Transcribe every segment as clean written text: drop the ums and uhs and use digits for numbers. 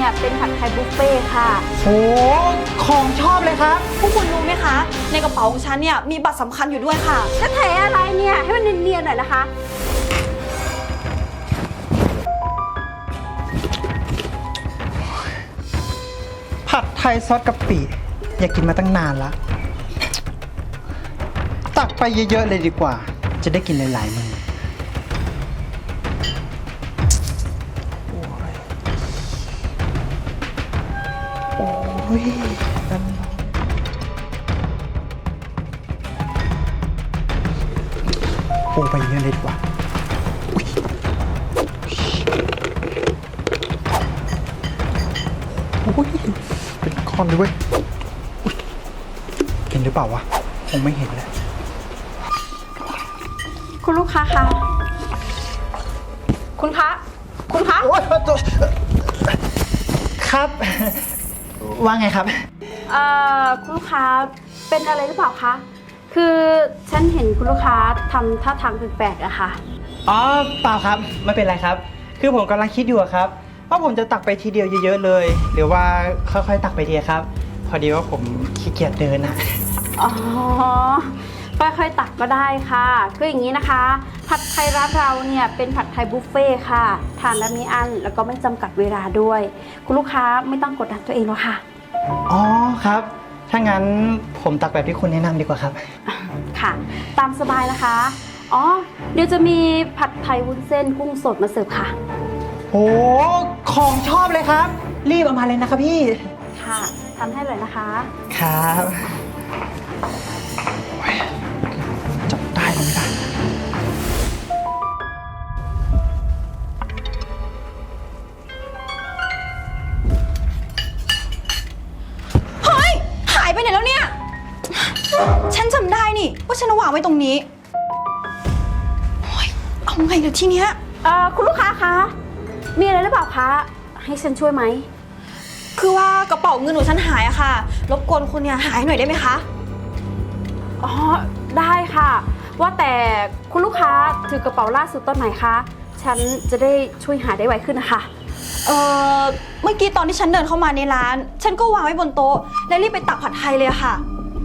เนี่ยเป็นผัดไทยบุฟเฟ่ค่ะโอ้ของชอบเลยครับพวกคุณรู้ไหมคะในกระเป๋าของฉันเนี่ยมีบัตรสำคัญอยู่ด้วยค่ะจะแถอะไรเนี่ยให้มันเนียนๆหน่อยนะคะผัดไทยซอสกะปิอยากกินมาตั้งนานละตักไปเยอะๆเลยดีกว่าจะได้กินหลายๆมือโอ้ยนั่นโอ้ไปเยอะเลยดีกว่าโอ้ยเป็นคอนเลยเว้ยเห็นหรือเปล่าวะคงไม่เห็นแหละคุณลูกค้าคะคุณคะโอ๊ยครับ ว่าไงครับคุณลูกค้าเป็นอะไรหรือเปล่าคะคือฉันเห็นคุณลูกค้าทำท่าทางแปลกๆอะค่ะอ๋อเปล่าครับไม่เป็นไรครับ คือผมกำลังคิดอยู่ครับว่าผมจะตักไปทีเดียวเยอะๆเลยหรือว่าค่อยๆตักไปทีครับพอดีว่าผมขี้เกียจเดินนะอ๋อค่อยๆตักก็ได้ค่ะคืออย่างนี้นะคะผัดไทยร้านเราเนี่ยเป็นผัดไทยบุฟเฟ่ค่ะทานแล้วไม่อั้นแล้วก็ไม่จำกัดเวลาด้วยคุณลูกค้าไม่ต้องกดดันตัวเองหรอกค่ะอ๋อครับถ้างั้นผมตักแบบที่คุณแนะนำดีกว่าครับค่ะตามสบายนะคะอ๋อเดี๋ยวจะมีผัดไทยวุ้นเส้นกุ้งสดมาเสิร์ฟค่ะโอ้ของชอบเลยครับรีบเอามาเลยนะครับพี่ค่ะทำให้เลยนะคะครับจับได้หรือไม่ได้เฮ้ยหายไปไหนแล้วเนี่ยฉันจำได้นี่ว่าฉันวางไว้ตรงนี้โอ๊ยเอาไงเดี๋ยวทีเนี้ยคุณลูกค้าคะมีอะไรหรือเปล่าคะให้ฉันช่วยไหมคือว่ากระเป๋าเงินของฉันหายอะค่ะรบกวนคุณเนี่ยหายหน่อยได้ไหมคะอ๋อได้ค่ะว่าแต่คุณลูกค้าถือกระเป๋าล่าสุดตอนไหนคะฉันจะได้ช่วยหาได้ไวขึ้นนะคะเมื่อกี้ตอนที่ฉันเดินเข้ามาในร้านฉันก็วางไว้บนโต๊ะแล้วรีบไปตักผัดไทยเลยอะค่ะ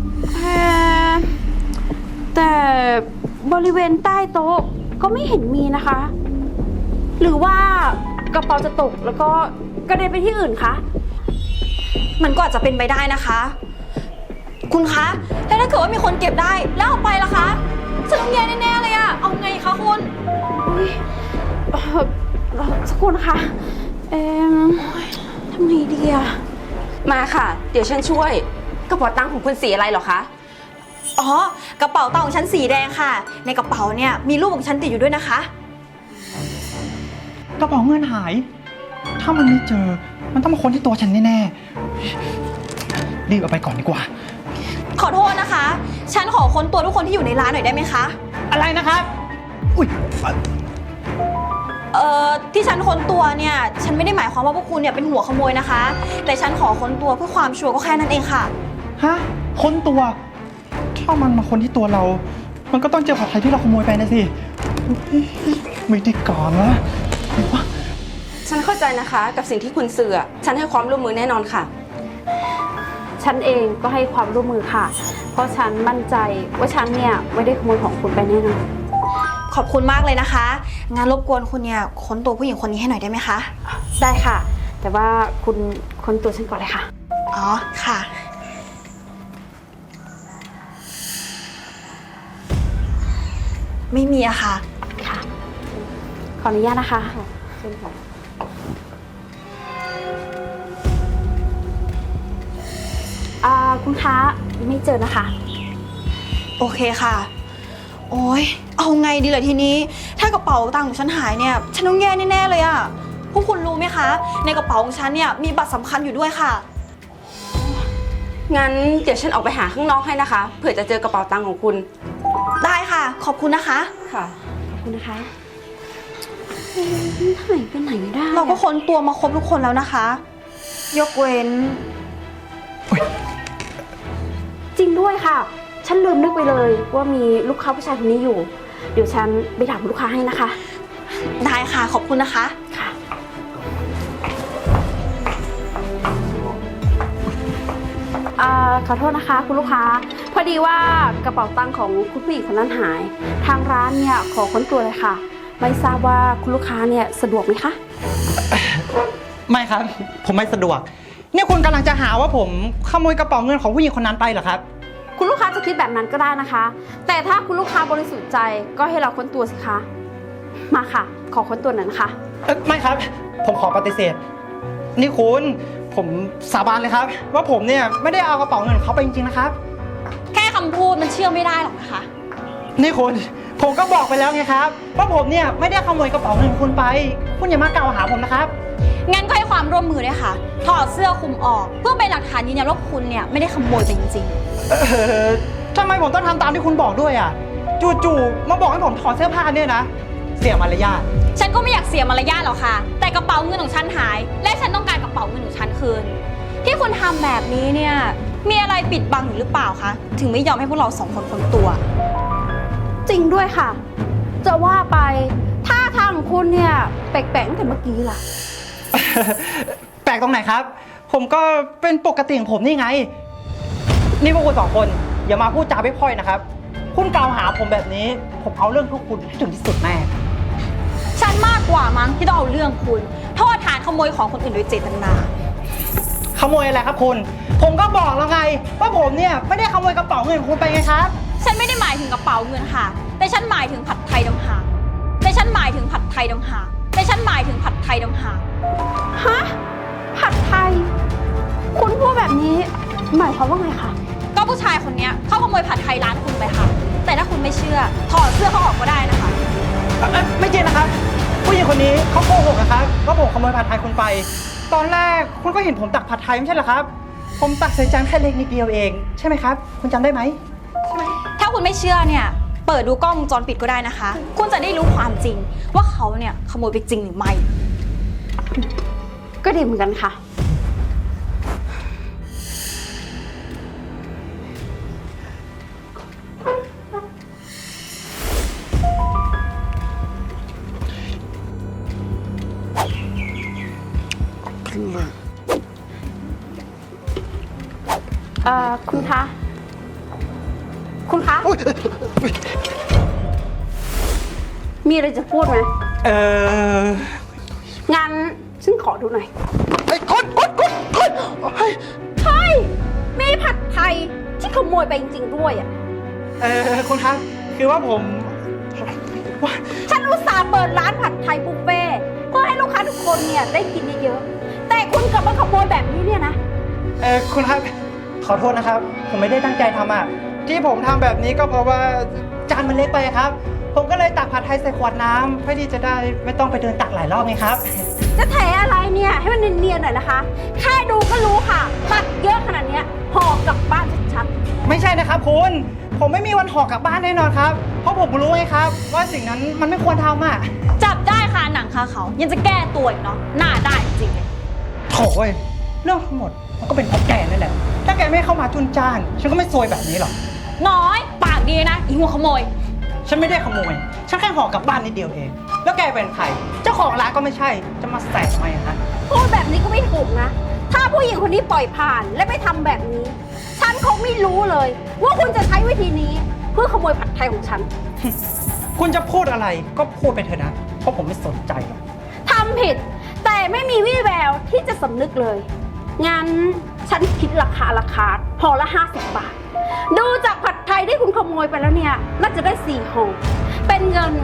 แต่บริเวณใต้โต๊ะก็ไม่เห็นมีนะคะ หรือว่ากระเป๋าจะตกแล้วก็กระเด็นไปที่อื่นคะมันก็อาจจะเป็นไปได้นะคะคุณคะแล้วถ้าเกิดว่ามีคนเก็บได้แล้วเอาไปล่ะคะฉันต้องแย่แน่ๆเลยอะเอาไงคะคุณสักครู่นะคะทำไงดีอะมาค่ะเดี๋ยวฉันช่วยกระเป๋าตังค์ของคุณสีอะไรเหรอคะอ๋อกระเป๋าตังค์ของฉันสีแดงค่ะในกระเป๋าเนี่ยมีรูปของฉันติดอยู่ด้วยนะคะกระเป๋าเงินหายถ้ามันไม่เจอมันต้องมาค้นที่ตัวฉันแน่ๆรีบเอาไปก่อนดีกว่าขอโทษนะคะฉันขอค้นตัวทุกคนที่อยู่ในร้านหน่อยได้ไหมคะอะไรนะครับอุ้ยที่ฉันค้นตัวเนี่ยฉันไม่ได้หมายความว่าพวกคุณเนี่ยเป็นหัวขโมยนะคะแต่ฉันขอค้นตัวเพื่อความชัวร์ก็แค่นั้นเองค่ะฮะค้นตัวถ้ามันมาค้นที่ตัวเรามันก็ต้องเจอผัดไทยที่เราขโมยไปนะสิไม่ได้ก่อนนะฉันเข้าใจนะคะกับสิ่งที่คุณสื่อฉันให้ความร่วมมือแน่นอนค่ะฉันเองก็ให้ความร่วมมือค่ะเพราะฉันมั่นใจว่าฉันเนี่ยไม่ได้ขโมยของคุณไปแน่นอนขอบคุณมากเลยนะคะงั้นรบกวนคุณเนี่ยค้นตัวผู้หญิงคนนี้ให้หน่อยได้ไหมคะได้ค่ะแต่ว่าคุณค้นตัวฉันก่อนเลยค่ะอ๋อค่ะไม่มีอะค่ะค่ะขออนุญาตนะคะเชิญค่ะคุณค้าไม่เจอนะคะโอเคค่ะโอ๊ยเอาไงดีล่ะทีนี้ถ้ากระเป๋าตังค์ของฉันหายเนี่ยฉันต้องแย่แน่ๆเลยอะพวกคุณรู้ไหมคะในกระเป๋าของฉันเนี่ยมีบัตรสำคัญอยู่ด้วยค่ะงั้นเดี๋ยวฉันออกไปหาข้างนอกให้นะคะเผื่อจะเจอกระเป๋าตังค์ของคุณได้ค่ะขอบคุณนะคะค่ะขอบคุณนะคะหายไปไหนได้เราก็ค้นตัวมาครบทุกคนแล้วนะคะยกเว้นจริงด้วยค่ะฉันลืมนึกไปเลยว่ามีลูกค้าผู้ชายคนนี้อยู่เดี๋ยวฉันไปถามลูกค้าให้นะคะได้ค่ะขอบคุณนะคะค่ะขอโทษนะคะคุณลูกค้า พอดีว่ากระเป๋าตังค์ของคุณผู้หญิงคนนั้นหาย ทางร้านเนี่ยขอค้นตัวเลยค่ะ ไม่ทราบว่าคุณลูกค้าเนี่ยสะดวกไหมคะไม่ครับ ผมไม่สะดวกเนี่ยคุณกำลังจะหาว่าผมขโมยกระเป๋าเงินของผู้หญิงคนนั้นไปเหรอครับคุณลูกค้าจะคิดแบบนั้นก็ได้นะคะ แต่ถ้าคุณลูกค้าบริสุทธิ์ใจก็ให้เราค้นตัวสิคะ มาค่ะ ขอค้นตัวหน่อยนะคะไม่ครับ ผมขอปฏิเสธ นี่คุณผมสาบานเลยครับ ว่าผมเนี่ยไม่ได้เอากระเป๋าเงินเขาไปจริงๆนะครับแค่คำพูดมันเชื่อไม่ได้หรอกนะคะนี่คุณผมก็บอกไปแล้วไงครับว่าผมเนี่ยไม่ได้ขโมยกระเป๋าเงินคุณไป คุณอย่ามากล่าวหาผมนะครับงั้นก็ให้ความร่วมมือด้วยค่ะ ถอดเสื้อคลุมออก เพื่อเป็นหลักฐานยืนยันว่าคุณเนี่ยไม่ได้ขโมยไปจริงทำไมผมต้องทำตามที่คุณบอกด้วยอ่ะจู่ๆมาบอกให้ผมถอดเสื้อผ้าเนี่ยนะเสียมารยาทๆ ฉันก็ไม่อยากเสียมารยาทหรอกค่ะ แต่กระเป๋าเงินของฉันหาย และฉันต้องการกระเป๋าเงินของฉันคืน ที่คุณทำแบบนี้เนี่ยมีอะไรปิดบังอยู่หรือเปล่าคะถึงไม่ยอมให้พวกเราสองคนค้นตัวจริงด้วยค่ะ จะว่าไปท่าทางของคุณเนี่ยแปลกๆตั้งแต่เมื่อกี้ล่ะแปลกตรงไหนครับ ผมก็เป็นปกติของผมนี่ไง นี่พวกคุณสองคนอย่ามาพูดจาไม่พร่อยนะครับ คุณกล่าวหาผมแบบนี้ ผมเอาเรื่องพวกคุณให้ถึงที่สุดแน่ฉันมากกว่ามั้งที่ต้องเอาเรื่องคุณโทษฐานขโมยของคนอื่นโดยเจตนาขโมยอะไรครับคุณ ผมก็บอกแล้วไงว่าผมเนี่ยไม่ได้ขโมยกระเป๋าเงินของคุณไปไงครับฉันไม่ได้หมายถึงกระเป๋าเงินค่ะ แต่ฉันหมายถึงผัดไทยดำหางแต่ฉันหมายถึงผัดไทยดำหางแต่ฉันหมายถึงผัดไทยดำหางฮะ ผัดไทย คุณพูดแบบนี้หมายความว่าไงคะก็ผู้ชายคนเนี้ยเขาขโมยผัดไทยร้านคุณไปค่ะ แต่ถ้าคุณไม่เชื่อถอดเสื้อเขาออกก็ได้นะคะไม่จริงนะครับ ผู้หญิงคนนี้เขาโกหกนะครับว่าผมขโมยผัดไทยคุณไป ตอนแรกคุณก็เห็นผมตักผัดไทยไม่ใช่เหรอครับ ผมตักใส่จานแค่เล็กนิดเดียวเองใช่ไหมครับ คุณจำได้ไหมถ้าคุณไม่เชื่อเนี่ยเปิดดูกล้องวงจรปิดก็ได้นะคะ คุณจะได้รู้ความจริงว่าเขาเนี่ยขโมยไปจริงหรือไม่ก็ดีเหมือนกันค่ะ คุณคะ คุณคะ มีอะไรจะพูดไหม งั้นฉันขอดูหน่อยไอ้คนเฮ้ยเฮ้ย มีผัดไทยที่ขโมยไปจริงๆด้วยอ่ะคุณครับ คือว่าผมว่าฉันอุตส่าห์เปิดร้านผัดไทยบุฟเฟ่ต์เพื่อให้ลูกค้าทุกคนเนี่ยได้กินเยอะๆ แต่คุณกลับมาขโมยแบบนี้เนี่ยนะคุณครับ ขอโทษนะครับ ผมไม่ได้ตั้งใจทำอ่ะ ที่ผมทำแบบนี้ก็เพราะว่าจานมันเล็กไปครับ ผมก็เลยตักผัดไทยใส่ขวดน้ำเพื่อที่จะได้ไม่ต้องไปเดินตักหลายรอบไงครับจะแถอะไรเนี่ย ให้มันเนียนๆหน่อยนะคะ แค่ดูก็รู้ค่ะตักเยอะขนาดเนี้ยห่อกลับบ้านชัดไม่ใช่นะครับคุณ ผมไม่มีวันห่อกลับบ้านแน่นอนครับ เพราะผมรู้ไงครับ ว่าสิ่งนั้นมันไม่ควรทำอ่ะจับได้ค่ะหนังคาเขายังจะแก้ตัวอีกเนาะหน้าได้จริงๆเลยโถ่เว้ยเรื่องทั้งหมดมันก็เป็นเพราะแกนั่นแหละ ถ้าแกไม่เข้ามาจุนจ้าน ฉันก็ไม่ซวยแบบนี้หรอกน้อยปากดีนะอีหัวขโมยฉันไม่ได้ขโมย ฉันแค่ห่อกลับบ้านนิดเดียวเอง แล้วแกเป็นใคร เจ้าของร้านก็ไม่ใช่ จะมาแสทำไมอะฮะๆ พูดแบบนี้ก็ไม่ถูกนะ ถ้าผู้หญิงคนนี้ปล่อยผ่านและไม่ทำแบบนี้ ฉันคงไม่รู้เลย ว่าคุณจะใช้วิธีนี้เพื่อขโมยผัดไทยของฉันคุณจะพูดอะไรก็พูดไปเถอะนะ เพราะผมไม่สนใจหรอกทำผิด แต่ไม่มีวี่แววที่จะสำนึกเลย งั้นฉันคิดราคาห่อละ 50 บาท ดูจากผัดไทยที่คุณขโมยไปแล้วเนี่ย น่าจะได้4ห่อเป็นเงิน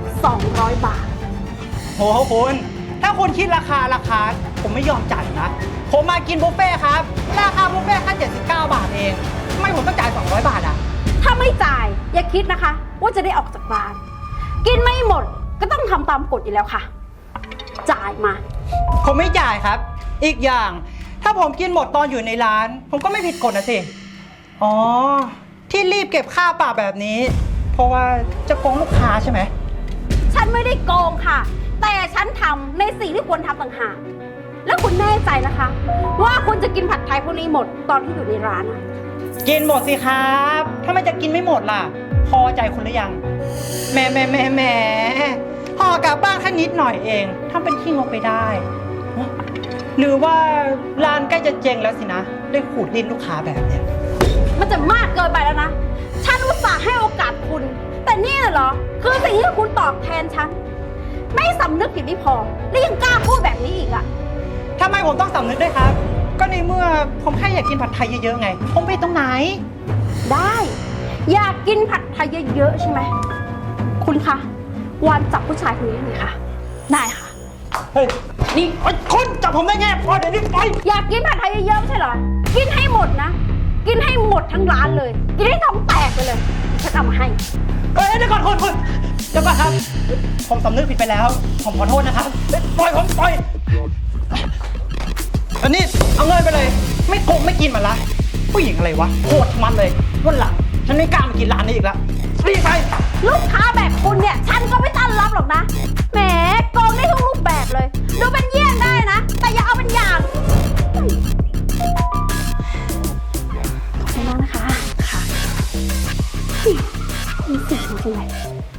200 บาทโหคุณ ถ้าคุณคิดราคา ผมไม่ยอมจ่ายนะ ผมมากินบุฟเฟ่ต์ครับ ราคาบุฟเฟ่ต์แค่79 บาทเองทำไมผมต้องจ่าย200 บาทอ่ะถ้าไม่จ่ายอย่าคิดนะคะ ว่าจะได้ออกจากร้าน กินไม่หมดก็ต้องทำตามกฎอยู่แล้วค่ะ จ่ายมาผมไม่จ่ายครับ อีกอย่าง ถ้าผมกินหมดตอนอยู่ในร้าน ผมก็ไม่ผิดกฎนะสิ อ๋อ ที่รีบเก็บค่าปรับแบบนี้ เพราะว่าจะโกงลูกค้าใช่ไหมฉันไม่ได้โกงค่ะ แต่ฉันทำในสิ่งที่ควรทำต่างหาก แล้วคุณแน่ใจนะคะ ว่าคุณจะกินผัดไทยพวกนี้หมดตอนที่อยู่ในร้านอะกินหมดสิครับถ้ามันจะกินไม่หมดล่ะ พอใจคุณหรือยังแหมห่อกลับบ้านแค่นิดหน่อยเองทำเป็นขี้งกไปได้ หรือว่าร้านใกล้จะเจ๊งแล้วสินะ ได้ขูดลิ้นลูกค้าแบบเนี้ยมันจะมากเกินไปแล้วนะ ฉันอุตส่าห์ให้โอกาสคุณ แต่นี่น่ะเหรอ คือสิ่งที่คุณตอบแทนฉัน ไม่สำนึกผิดไม่พอ แล้วยังกล้าพูดแบบนี้อีกอะทำไมผมต้องสำนึกด้วยครับ ก็ในเมื่อผมแค่อยากกินผัดไทยเยอะๆไง ผมไปตรงไหนได้ อยากกินผัดไทยเยอะๆใช่ไหม คุณคะวานจับผู้ชายคนนี้หน่อยค่ะ ได้ค่ะเฮ้ย นี่ไอ้คุณจับผมได้ไงพอเดี๋ยวนี้ไปอยากกินผัดไทยเยอะๆไม่ใช่เหรอ กินให้หมดนะ กินให้หมดทั้งร้านเลย กินให้ท้องแตกไปเลย ฉันเอามาให้เฮ้ยเดี๋ยวก่อนคุณเดี๋ยวก่อนครับ ผมสำนึกผิดไปแล้ว ผมขอโทษนะครับปล่อยผมปล่อยอันนี้เอาเงินไปเลย ไม่คงไม่กินมันละ ผู้หญิงอะไรวะโคตรมันเลยวันหลังฉันไม่กล้ามากินร้านนี้อีกแล้วรีบไปลูกค้าแบบคุณเนี่ย ฉันก็ไม่ต้อนรับหรอกนะ แหมโกงได้ทุกรูปแบบเลย ดูเป็นเยี่ยงได้นะ แต่อย่าเอาเป็นอย่างขอบคุณมากนะคะ ค่ะมีสิ่งของจริงเลย